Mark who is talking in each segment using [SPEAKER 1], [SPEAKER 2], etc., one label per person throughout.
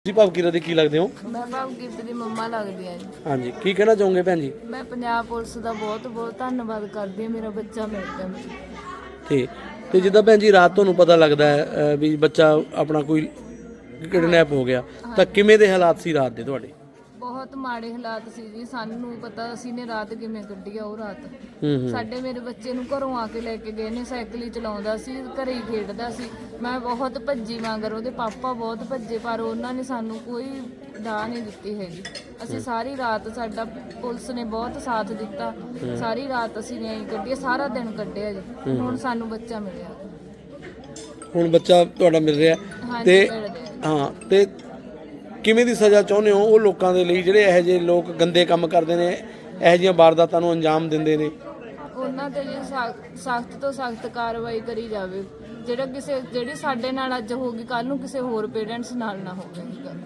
[SPEAKER 1] ਤੁਸੀਂ ਭਵਕੀਰਤ ਦੇ ਕੀ ਲੱਗਦੇ ਹੋ?
[SPEAKER 2] ਮੈਂ ਭਵਕੀਰਤ ਦੀ ਮੰਮਾ ਲੱਗਦੀ ਆ ਜੀ।
[SPEAKER 1] ਹਾਂਜੀ, ਕੀ ਕਹਿਣਾ ਚਾਹੋਗੇ ਭੈਣ ਜੀ?
[SPEAKER 2] ਮੈਂ ਪੰਜਾਬ ਪੁਲਿਸ ਦਾ ਬਹੁਤ ਬਹੁਤ ਧੰਨਵਾਦ ਕਰਦੀ ਹਾਂ, ਮੇਰਾ ਬੱਚਾ ਮਿਲ ਗਿਆ ਮੈਨੂੰ।
[SPEAKER 1] ਠੀਕ। ਤੇ ਜਿੱਦਾਂ ਭੈਣ ਜੀ ਰਾਤ ਤੁਹਾਨੂੰ ਪਤਾ ਲੱਗਦਾ ਹੈ ਵੀ ਬੱਚਾ ਆਪਣਾ ਕੋਈ ਕਿਡਨੈਪ ਹੋ ਗਿਆ, ਤਾਂ ਕਿਵੇਂ ਦੇ ਹਾਲਾਤ ਸੀ ਰਾਤ ਦੇ ਤੁਹਾਡੇ?
[SPEAKER 2] ਬਹੁਤ ਮਾੜੇ ਹਾਲਾਤ ਸੀ ਜੀ, ਸਾਨੂੰ ਪਤਾ ਅਸੀਂ ਨੇ ਰਾਤ ਕਿਵੇਂ ਕੱਢੀ ਆ ਉਹ ਰਾਤ। ਸਾਡੇ ਮੇਰੇ ਬੱਚੇ ਨੂੰ ਘਰੋਂ ਆ ਕੇ ਲੈ ਕੇ ਗਏ ਨੇ, ਸਾਈਕਲ ਹੀ ਚਲਾਉਂਦਾ ਸੀ, ਘਰੇ ਹੀ ਖੇਡਦਾ ਸੀ। ਮੈਂ ਬਹੁਤ ਭੱਜੀ ਮਗਰ, ਉਹਦੇ ਪਾਪਾ ਬਹੁਤ ਭੱਜੇ, ਪਰ ਉਹਨਾਂ ਨੇ ਸਾਨੂੰ ਕੋਈ ਡਾਹ ਨਹੀਂ ਦਿੱਤੀ ਹੈਗੀ। ਅਸੀਂ ਸਾਰੀ ਰਾਤ, ਸਾਡਾ ਪੁਲਿਸ ਨੇ ਬਹੁਤ ਸਾਥ ਦਿੱਤਾ, ਸਾਰੀ ਰਾਤ ਅਸੀਂ ਨੇ ਕੱਢੀ, ਸਾਰਾ ਦਿਨ ਕੱਢਿਆ ਜੀ। ਹੁਣ ਸਾਨੂੰ ਬੱਚਾ ਮਿਲਿਆ।
[SPEAKER 1] ਹੁਣ ਬੱਚਾ ਤੁਹਾਡਾ ਮਿਲ ਰਿਹਾ ਤੇ ਹਾਂ, ਤੇ ਕਿਵੇਂ ਦੀ ਸਜ਼ਾ ਚਾਹੁੰਦੇ ਹੋ ਉਹ ਲੋਕਾਂ ਦੇ ਲਈ ਜਿਹੜੇ ਇਹੋ ਜਿਹੇ ਲੋਕ ਗੰਦੇ ਕੰਮ ਕਰਦੇ ਨੇ, ਇਹੋ ਜਿਹੀਆਂ ਵਾਰਦਾਤਾਂ ਨੂੰ ਅੰਜਾਮ ਦਿੰਦੇ ਨੇ?
[SPEAKER 2] ਉਹਨਾਂ ਤੇ ਜੀ ਸਖਤ ਤੋਂ ਸਖਤ ਕਾਰਵਾਈ ਕਰੀ ਜਾਵੇ। ਜਿਹੜੀ ਸਾਡੇ ਨਾਲ ਅੱਜ ਹੋ ਗਈ, ਕੱਲ ਨੂੰ ਕਿਸੇ ਹੋਰ ਪੇਰੈਂਟਸ ਨਾਲ ਨਾ ਹੋਵੇ ਇਹ ਗੱਲ।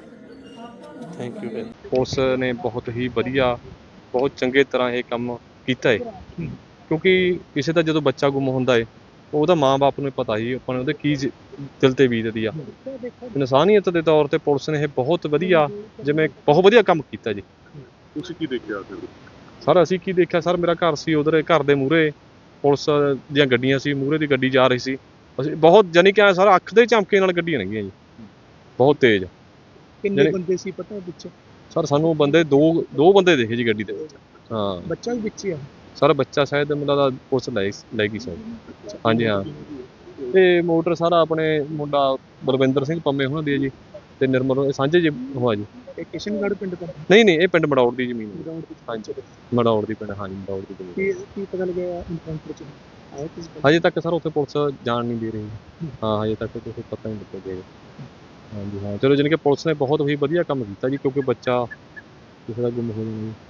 [SPEAKER 1] Thank you.
[SPEAKER 3] ਪੁਲਿਸ ਨੇ ਬਹੁਤ ਹੀ ਵਧੀਆ, ਬਹੁਤ ਚੰਗੇ ਤਰ੍ਹਾਂ ਇਹ ਕੰਮ ਕੀਤਾ ਹੈ, ਕਿਉਂਕਿ ਕਿਸੇ ਦਾ ਜਦੋਂ ਬੱਚਾ ਗੁੰਮ ਹੁੰਦਾ ਹੈ ਉਹਦਾ ਮਾਂ-ਬਾਪ ਨੂੰ ਪਤਾ ਹੀ ਆਪਾਂ ਨੂੰ ਉਹਦੇ ਕੀ ਦਿਲ ਤੇ ਬੀਤਦੀ ਆ। ਇਨਸਾਨੀਅਤ ਦੇ ਤੌਰ ਤੇ ਪੁਲਿਸ ਨੇ ਇਹ ਬਹੁਤ ਵਧੀਆ, ਜਿਵੇਂ ਬਹੁਤ ਵਧੀਆ ਕੰਮ ਕੀਤਾ ਜੀ।
[SPEAKER 4] ਤੁਸੀਂ ਕੀ ਦੇਖਿਆ
[SPEAKER 3] ਸਰ? ਅਸੀਂ ਕੀ ਦੇਖਿਆ ਸਰ, ਮੇਰਾ ਘਰ ਸੀ ਉਧਰ, ਘਰ ਦੇ ਮੂਹਰੇ ਪੁਲਿਸ ਦੀਆਂ ਗੱਡੀਆਂ ਸੀ, ਮੂਹਰੇ ਦੀ ਗੱਡੀ ਜਾ ਰਹੀ ਸੀ। ਅਸੀਂ ਬਹੁਤ ਜਾਨੀ ਕਿ ਸਰ ਅੱਖ ਦੇ ਝਮਕੇ ਨਾਲ ਗੱਡੀਆਂ ਲੰਘੀਆਂ ਜੀ, ਬਹੁਤ ਤੇਜ਼।
[SPEAKER 5] ਕਿੰਨੇ ਬੰਦੇ ਸੀ ਪਤਾ ਵਿੱਚ?
[SPEAKER 3] ਸਰ ਸਾਨੂੰ ਬੰਦੇ ਦੋ ਬੰਦੇ ਦੇਖੇ ਜੀ ਗੱਡੀ ਦੇ ਵਿੱਚ। ਹਾਂ, ਬੱਚਾ ਵੀ ਵਿੱਚ ਹੀ ਆ ਸਰ? ਬੱਚਾ ਸ਼ਾਇਦ ਮੈਨੂੰ ਲੱਗਦਾ ਪੁਲਿਸ ਲੈ ਗਈ ਸਰ। ਹਾਂਜੀ ਹਾਂ। ਤੇ ਮੋਟਰ ਸਾਰਾ ਆਪਣੇ ਮੁੰਡਾ ਬਲਵਿੰਦਰ ਸਿੰਘ ਪੰਮੇ ਉਹਨਾਂ ਦੀ ਹੈ ਜੀ, ਤੇ ਨਿਰਮਲ ਸਾਂਝੇ ਜੀ ਹੋਆ ਜੀ।
[SPEAKER 5] ਕਿਸ਼ਨਗੜ੍ਹ ਪਿੰਡ ਤੋਂ?
[SPEAKER 3] ਨਹੀਂ, ਇਹ ਪਿੰਡ ਮੜੌੜ ਦੀ ਜ਼ਮੀਨ ਹੈ। ਹਾਂਜੀ, ਮੜੌੜ ਦੀ ਪਿੰਡ। ਹਾਂਜੀ, ਮੜੌੜ ਦੀ ਜ਼ਮੀਨ।
[SPEAKER 5] ਕੀ ਪਤਾ ਲੱਗਿਆ ਇਨਕਾਊਂਟਰ ਚ ਆਇਆ ਕਿਸੇ?
[SPEAKER 3] ਹਜੇ ਤੱਕ ਸਰ ਉੱਥੇ ਪੁਲਿਸ ਜਾਣ ਨਹੀਂ ਦੇ ਰਹੀ। ਹਾਂ, ਹਜੇ ਤੱਕ ਕੁਛ ਪਤਾ ਨਹੀਂ ਲੱਗਿਆ। ਹਾਂਜੀ ਹਾਂ, ਚਲੋ ਜਾਣੀ ਕਿ ਪੁਲਿਸ ਨੇ ਬਹੁਤ ਹੀ ਵਧੀਆ ਕੰਮ ਕੀਤਾ ਜੀ, ਕਿਉਂਕਿ ਬੱਚਾ ਕਿਸੇ ਦਾ ਗੁੰਮ ਹੋ ਜਾਣਾ ਜੀ।